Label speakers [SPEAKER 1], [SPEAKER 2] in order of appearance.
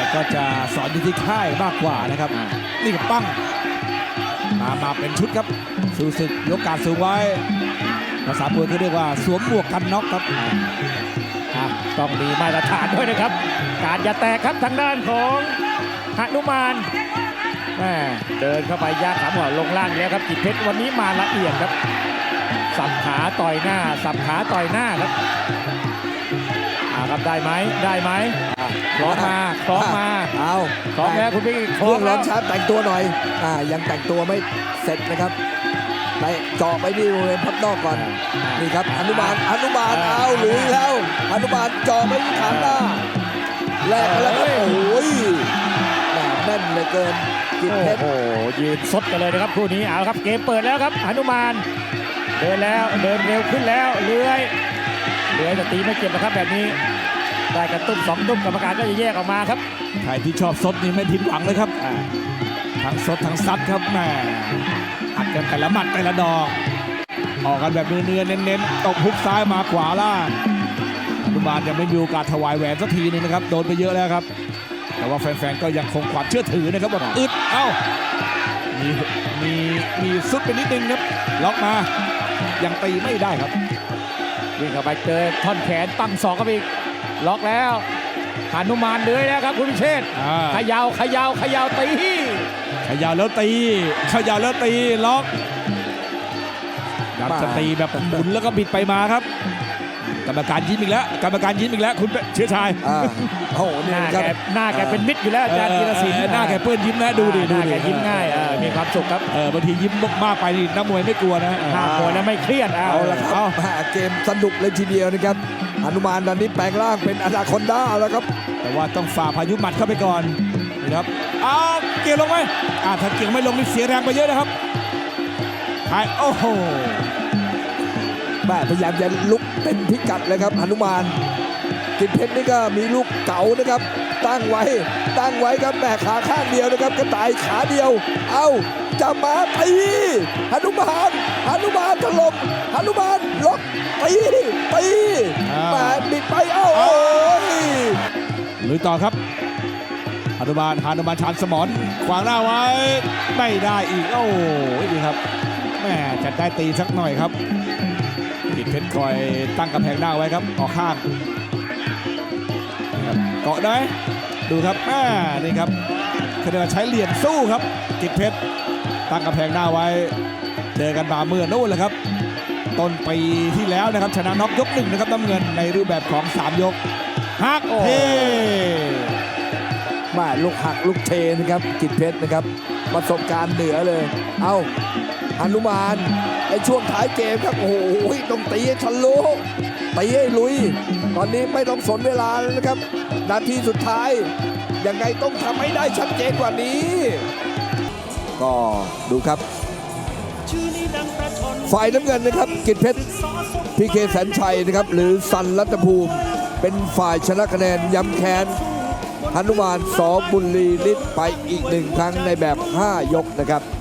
[SPEAKER 1] ก็จะสอนอยู่ที่ค่ายมากกว่านะครับนี่กับปั้งมาเป็นชุดครับสู้ศึกยกการสูงไว้ภาษาปืนเขาเรียกว่าสวมหมวกกันน็อกครับ
[SPEAKER 2] ต้องมีมาตรฐานด้วยนะครับการอย่าแตกครับทางด้านของหนุมานเดินเข้าไปย่างขาหัวลงล่างแล้วครับกิจเพชรวันนี้มาละเอียดครับสับขาต่อยหน้าสับขาต่อยหน้าครับครับได้ไหมคล้องมา
[SPEAKER 3] เอา
[SPEAKER 2] คล้องแล้วคุณพี่
[SPEAKER 3] คล้องแล้วชาร์จแต่งตัวหน่อยยังแต่งตัวไม่เสร็จนะครับไปเจาะไปที่บริเวณพับนอกก่อนนี่ครับหนุมานเอาหลุยแล้วหนุมานเจาะไปที่ฐานหน้าแลกกันแล้วครับโอ้ยแน่นเหลือเกินกิจเพชร
[SPEAKER 2] ยืนสดกันเลยนะครับคู่นี้เอาครับเกมเปิดแล้วครับหนุมานเดินเร็วขึ้นแล้วเลื้อยจะตีไม่เก็บนะครับแบบนี้ได้กระตุ้ม2ตุ้มกรรมการก็จะแยกออกมาครับ
[SPEAKER 1] ใครที่ชอบสดนี่ไม่ผิดหวังเลยครับทั้งสดทั้งซัดครับแม่อัดกันแต่ละหมัดแต่ละดอกออกกันแบบเนื้อเน้นๆตบฮุกซ้ายมาขวาล่างหนุมานยังไม่มีโอกาสถวายแหวนสักทีนึงนะครับโดนไปเยอะแล้วครับแต่ว่าแฟนๆก็ยังคงความเชื่อถือนะครับว่าอึดมีสุดไปนิดนึงครับล็อกมายังตีไม่ได้ครับ
[SPEAKER 2] วิ่งเข้าไปเจอท่อนแขนตั้งศอกเข้าไปอีกล็อกแล้วหนุมานเลื้อยแล้วครับคุณพิเชษเขย่าตี
[SPEAKER 1] เขย่าแล้วตีล็อกอยากจะตีแบบหมุนแล้วก็บิดไปมาครับกรรมการยิ้มอีกแล้วคุณเชื้อชาย
[SPEAKER 2] โอ้โหหน้าแกเป็นมิตรอยู่แล้วอาจารย์ธีรศิลป์
[SPEAKER 1] หน้าแกเปื้อนยิ้มนะดูดิ
[SPEAKER 2] แกยิ้มง่ายมีความสุขครับ
[SPEAKER 1] บางทียิ้มมากไปนี่นักมวยไม่กลัวนะ
[SPEAKER 2] มวยแล้วไม่เครียด
[SPEAKER 3] เอาละครับเกมสนุกเลยทีเดียวนะครับหนุมานตอนนี้แปลงร่างเป็นอนาคอนดาแล้วครับ
[SPEAKER 1] แต่ว่าต้องฝ่าพายุหมัดเข้าไปก่อนนี่ครับเกี่ยวลงไหมถ้าเกี่ยวไม่ลงนี่เสียแรงไปเยอะนะครับโอ้โห
[SPEAKER 3] พยายามจะลุกเป็นพิกัดเลยครับหนุมานกิจเพชรนี่ก็มีลูกเก๋านะครับตั้งไว้ครับแม่ขาข้างเดียวนะครับกระต่ายขาเดียวจะมาตีหนุมานถล่มหนุมานล็อกตีแม่บิดไปโอ้ย
[SPEAKER 1] ลุยต่อครับหนุมานชานสมรขวางหน้าไว้ไม่ได้อีกโอ้ยดีครับแม่จะได้ตีสักหน่อยครับกิจเพชรคอยตั้งกำแพงหน้าไว้ครับออกข้างเกาะได้ดูครับนี่ครับคือใช้เหลี่ยมสู้ครับกิจเพชรตั้งกำแพงหน้าไว้เจอกันมาเมื่อนู่นแหละครับต้นปีที่แล้วนะครับชนะน็อกยก1นะครับน้ำเงินในรูปแบบของ3ยกหักเท
[SPEAKER 3] ลูกหักลูกเทนะครับกิจเพชรนะครับประสบการณ์เหนือเลยหนุมานในช่วงท้ายเกมครับโอ้โหต้องตีให้ทะลุตีให้ลุยตอนนี้ไม่ต้องสนเวลาแล้วนะครับนาทีสุดท้ายยังไงต้องทำให้ได้ชัดเจนกว่านี้ก็ดูครับฝ่ายน้ำเงินนะครับกิจเพชรพีเคแสนชัยนะครับหรือสันรัตภูมิเป็นฝ่ายชนะคะแนนย้ำแค้นหนุมาน ส.บุญลีฤทธิ์ไปอีก1ครั้งในแบบ5ยกนะครับ